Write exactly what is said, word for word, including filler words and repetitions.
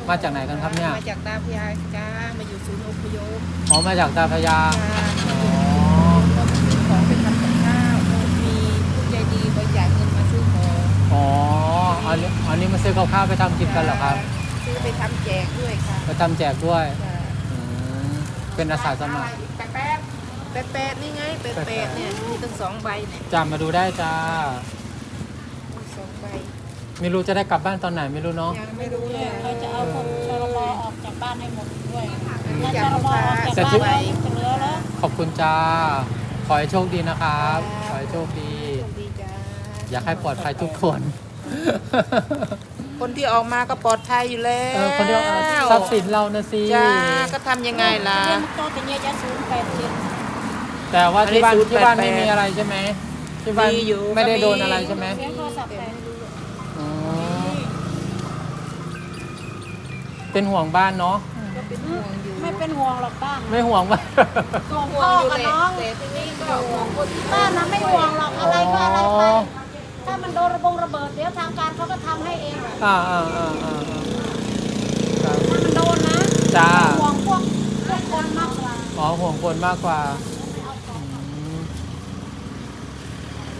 มาจากไหนกันครับเนี่ยมาจากตาพยาจ้ามาอยู่ศูนย์อพยพอ๋อมาจากตาพระยาจ้าอ๋อก็มาซื้อของไปทำกับข้าวมีผู้ใจดีบริจาคเงินมาซื้อของอ๋ออันนี้อันนี้มาซื้อกับข้าวไปทำกินกันเหรอครับซื้อไปทำแจกด้วยค่ะไปทำแจกด้วยจ้าอืมเป็นอาสาสมัครแป๊บแป๊บแป๊บแป๊บนี่ไงแป๊บแป๊บเนี่ยมีตั้งสองใบเนี่ยจ้ามาดูได้จ้ามีสองใบไม่รู้จะได้กลับบ้านตอนไหนไม่รู้เนาะยังไม่รู้เลยเราจะเอาคนชลบออกจากบ้านให้หมดด้วยถ้าจาชกลลูกบอค้าออกสจากองบ้านใบเราจะเหลือแล้วขอบคุณจ้าขอให้โชคดีนะครับครับขอให้โชคดีโชคดีจ้าอยากให้ปลอดภัยทุกคนคนที่ออกมาก็ปลอดภัยอยู่แล้วเออคนเดียวเอาทรัพย์สินเรานะสิจ้าก็ทำยังไงล่ะเรียนโตเป็นเยอะจะศูนย์แปดเจ็ดแต่ว่าที่บ้านอันนี้ที่บ้านศูนย์แปดแปดไม่มีอะไรใช่ไหมที่บ้านมีอยู่ไม่ได้ก็มีโดนอะไรใช่ไหมเสียงโทรศัพท์แต่อ๋อเป็นห่วงบ้านเนาะก็เป็นห่วงอยู่ไม่เป็นห่วงหรอกบ้านไม่ห่วงบ้านห่วงห่วพ่งออยู่กับแหละน้องแต่ทีนี้ก็ห่วงคนที่บ้านนะไม่ห่วงหรอกอะไรก็อะไรไปอ๋อถ้ามันโดนระบงระเบิดเดี๋ยวทางการเขาก็ทำให้เองแหละอ่าอ่าอ่าอ่าครับถ้ามันโดนนะจ้าห่วงพวกพวกคนมากกว่าอ๋อห่วงคนมากกว่าเ